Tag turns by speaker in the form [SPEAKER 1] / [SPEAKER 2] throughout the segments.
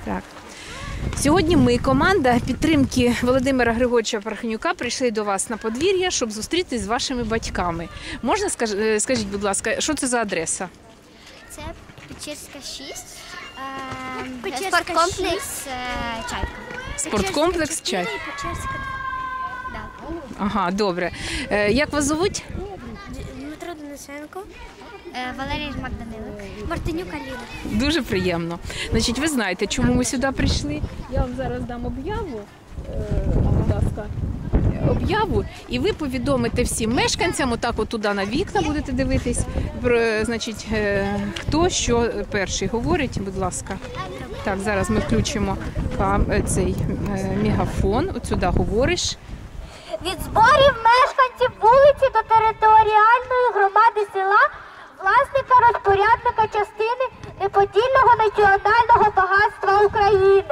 [SPEAKER 1] Так. Сьогодні ми, команда підтримки Володимира Григоровича Пархенюка, прийшли до вас на подвір'я, щоб зустрітися з вашими батьками. Можна, скажіть, будь ласка, що це за адреса?
[SPEAKER 2] Це Печерська 6,
[SPEAKER 3] Печерська
[SPEAKER 2] спорткомплекс «Чайка».
[SPEAKER 1] Спорткомплекс «Чайка».
[SPEAKER 2] Печерська 2.
[SPEAKER 1] Ага, добре. Як вас звуть?
[SPEAKER 3] Дмитро Денисенко,
[SPEAKER 2] Валерій Жмак-Данилик.
[SPEAKER 3] Мартинюк Аліна.
[SPEAKER 1] Дуже приємно. Значить, ви знаєте, чому ми сюди прийшли? Я вам зараз дам об'яву, будь ласка, об'яву, і ви повідомите всім мешканцям, отак от туди на вікна будете дивитись, значить, хто що перший говорить, будь ласка. Так, зараз ми включимо цей мегафон, от сюди говориш.
[SPEAKER 4] Від зборів мешканців вулиці до територіальної громади села, власника розпорядника частини неподільного національного багатства України.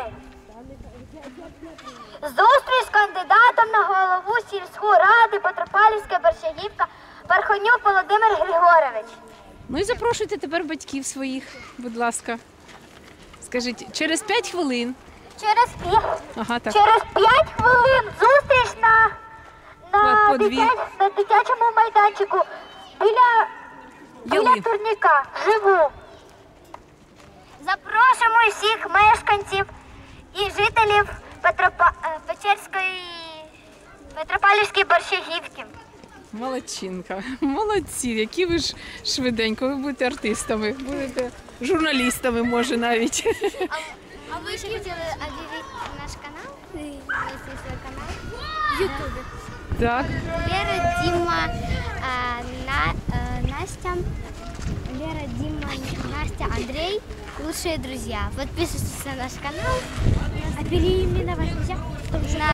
[SPEAKER 4] Зустріч з кандидатом на голову сільської ради Петропавлівська Борщагівка Пархенюк Володимир Григорович.
[SPEAKER 1] Ну і запрошуйте тепер батьків своїх, будь ласка. Скажіть, через 5 хвилин.
[SPEAKER 4] Через 5 хвилин зустріч на дитячому майданчику біля турніка. Живу. Запрошуємо всіх мешканців і жителів Петропавлівської Борщагівки.
[SPEAKER 1] Молодчинка, молодці, які ви ж швиденько, ви будете артистами, будете журналістами, може, навіть.
[SPEAKER 2] А ви ще хотіли об'явити наш канал? Свій канал?
[SPEAKER 3] В Ютубі.
[SPEAKER 1] Так.
[SPEAKER 2] Лера, Дима, Настя. Лера, Дима, Настя, Андрей. Лучшие друзья. Подписывайтесь на наш канал.
[SPEAKER 3] А переименовать нельзя?
[SPEAKER 2] На